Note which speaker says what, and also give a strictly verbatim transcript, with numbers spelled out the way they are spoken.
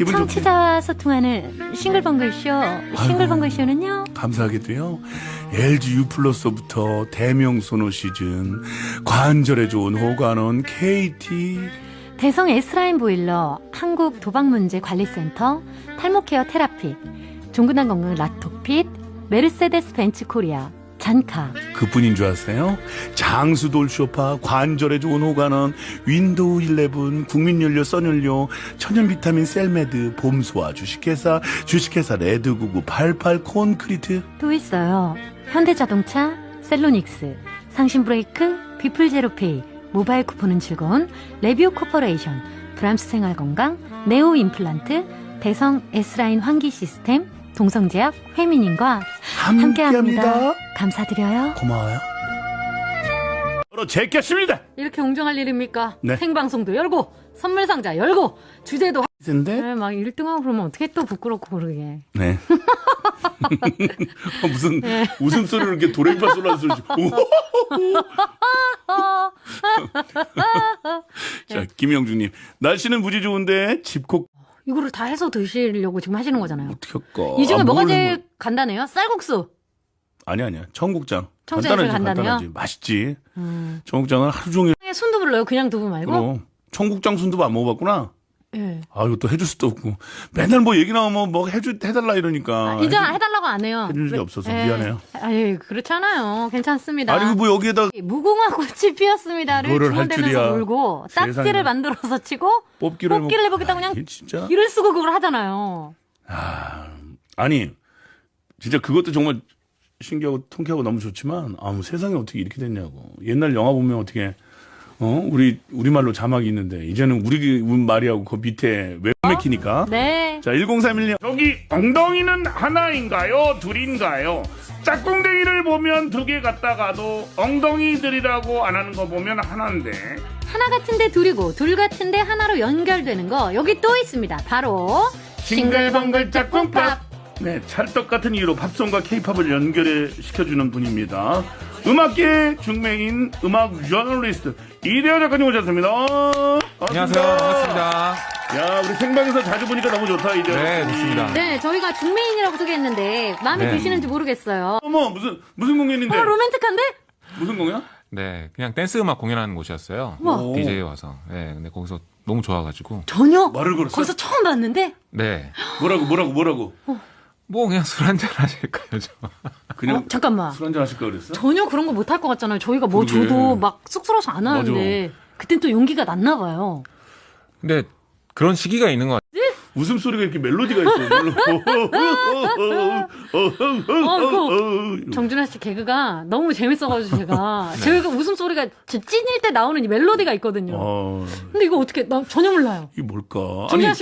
Speaker 1: 기분 좋게.
Speaker 2: 청취자와 소통하는 싱글벙글쇼. 싱글벙글쇼는요,
Speaker 1: 감사하게도요, 엘지 U 플러스부터 대명 소노 시즌, 관절에 좋은 호가논 케이티,
Speaker 2: 대성 S라인 보일러, 한국 도박문제관리센터, 탈모케어 테라피, 종근당 건강 라토핏, 메르세데스 벤츠 코리아, 잔카.
Speaker 1: 그뿐인 줄 아세요? 장수돌 쇼파, 관절에 좋은 호가논, 윈도우 일레븐, 국민연료, 써연료, 천연 비타민 셀메드, 봄소화 주식회사, 주식회사 레드구구, 팔십팔 콘크리트.
Speaker 2: 또 있어요. 현대자동차, 셀로닉스, 상신브레이크, 비플제로페이, 모바일 쿠폰은 즐거운 레비오 코퍼레이션, 브람스 생활건강, 네오 임플란트, 대성 S라인 환기 시스템, 동성제약, 회민님과 함께합니다.
Speaker 1: 함께합니다.
Speaker 2: 감사드려요.
Speaker 1: 고마워요. 바로 제꼈습니다.
Speaker 2: 이렇게 웅정할 일입니까?
Speaker 1: 네.
Speaker 2: 생방송도 열고 선물 상자 열고 주제도
Speaker 1: 근데
Speaker 2: 네, 막 일 등하고 그러면 어떻게 또 부끄럽고 그러게.
Speaker 1: 네. 무슨
Speaker 2: 네.
Speaker 1: 웃음소리를 이렇게 도레미파 솔라 소리. 자, 김영중님, 날씨는 무지 좋은데 집콕
Speaker 2: 이거를 다 해서 드시려고 지금 하시는 거잖아요.
Speaker 1: 어떻게 할까?
Speaker 2: 이 중에
Speaker 1: 아,
Speaker 2: 뭐가
Speaker 1: 뭘
Speaker 2: 제일
Speaker 1: 뭐-
Speaker 2: 간단해요? 쌀국수.
Speaker 1: 아니 아니야. 청국장.
Speaker 2: 청국장이 제일
Speaker 1: 간단하지,
Speaker 2: 간단해요?
Speaker 1: 간단하지. 맛있지.
Speaker 2: 음.
Speaker 1: 청국장은 하루 종일.
Speaker 2: 순두부 넣어요? 그냥 두부 말고?
Speaker 1: 그럼 청국장 순두부 안 먹어봤구나.
Speaker 2: 예.
Speaker 1: 아, 이거 또 해줄 수도 없고. 맨날 뭐 얘기 나오면 뭐 해주 해달라 이러니까.
Speaker 2: 이제
Speaker 1: 해줄-
Speaker 2: 해달라고 안 해요.
Speaker 1: 해준 적이
Speaker 2: 왜-
Speaker 1: 없어서
Speaker 2: 예.
Speaker 1: 미안해요.
Speaker 2: 아니, 그렇잖아요. 괜찮습니다.
Speaker 1: 아니 뭐 여기에다
Speaker 2: 무궁화 꽃이 피었습니다를
Speaker 1: 그거를 할 줄이야.
Speaker 2: 중얼대면서 놀고
Speaker 1: 세상에.
Speaker 2: 딱지를 만들어서 치고
Speaker 1: 뽑기를
Speaker 2: 뽑기를
Speaker 1: 해먹-
Speaker 2: 해보겠다 그냥
Speaker 1: 아니, 진짜.
Speaker 2: 길을 쓰고 그걸 하잖아요.
Speaker 1: 아, 아니 진짜 그것도 정말 신기하고 통쾌하고 너무 좋지만, 아, 뭐 세상에 어떻게 이렇게 됐냐고. 옛날 영화 보면 어떻게 어 우리 우리말로 자막이 있는데 이제는 우리 말이하고 그 밑에 웹 맥히니까.
Speaker 2: 네.
Speaker 1: 자, 천삼십일 년
Speaker 3: 저기 엉덩이는 하나인가요? 둘인가요? 짝꿍댕이를 보면 두 개 같다가도 엉덩이들이라고 안 하는 거 보면 하나인데.
Speaker 2: 하나 같은데 둘이고 둘 같은데 하나로 연결되는 거 여기 또 있습니다. 바로 싱글벙글 짝꿍팝.
Speaker 1: 네, 찰떡 같은 이유로 팝송과 케이팝을 연결해 시켜주는 분입니다. 음악계 중맹인 음악 저널리스트 이대호 작가님 오셨습니다.
Speaker 4: 안녕하세요. 반갑습니다.
Speaker 1: 야, 우리 생방에서 자주 보니까 너무 좋다, 이대호.
Speaker 4: 네,
Speaker 1: 작가님.
Speaker 4: 좋습니다.
Speaker 2: 네, 저희가 중매인이라고 소개했는데 마음에
Speaker 4: 네.
Speaker 2: 드시는지 모르겠어요.
Speaker 1: 어머, 무슨 무슨 공연인데?
Speaker 2: 어, 로맨틱한데?
Speaker 1: 무슨 공연?
Speaker 4: 네, 그냥 댄스 음악 공연하는 곳이었어요.
Speaker 2: 우와.
Speaker 4: 디제이 와서. 네, 근데 거기서 너무 좋아가지고.
Speaker 2: 전혀
Speaker 1: 말을 걸었어?
Speaker 2: 거기서 처음 봤는데
Speaker 4: 네.
Speaker 1: 뭐라고 뭐라고 뭐라고?
Speaker 4: 뭐 그냥 술 한잔 하실까요, 저?
Speaker 1: 그냥
Speaker 2: 어, 잠깐만.
Speaker 1: 술 한잔 하실 걸 그랬어?
Speaker 2: 전혀 그런 거 못할 것 같잖아요. 저희가 뭐
Speaker 1: 그러게.
Speaker 2: 저도 막 쑥스러워서 안 하는데 그땐 또 용기가 났나 봐요.
Speaker 4: 근데 그런 시기가 있는 것 같아요.
Speaker 1: 웃음소리가 이렇게 멜로디가 있어.
Speaker 2: 그 정준하 씨 개그가 너무 재밌어가지고 제가 제가 웃음소리가 제 찐일 때 나오는 이 멜로디가 있거든요.
Speaker 1: 어,
Speaker 2: 근데 이거 어떻게 나 전혀 몰라요.
Speaker 1: 이게 뭘까?
Speaker 2: 정준하
Speaker 1: 아니,
Speaker 2: 씨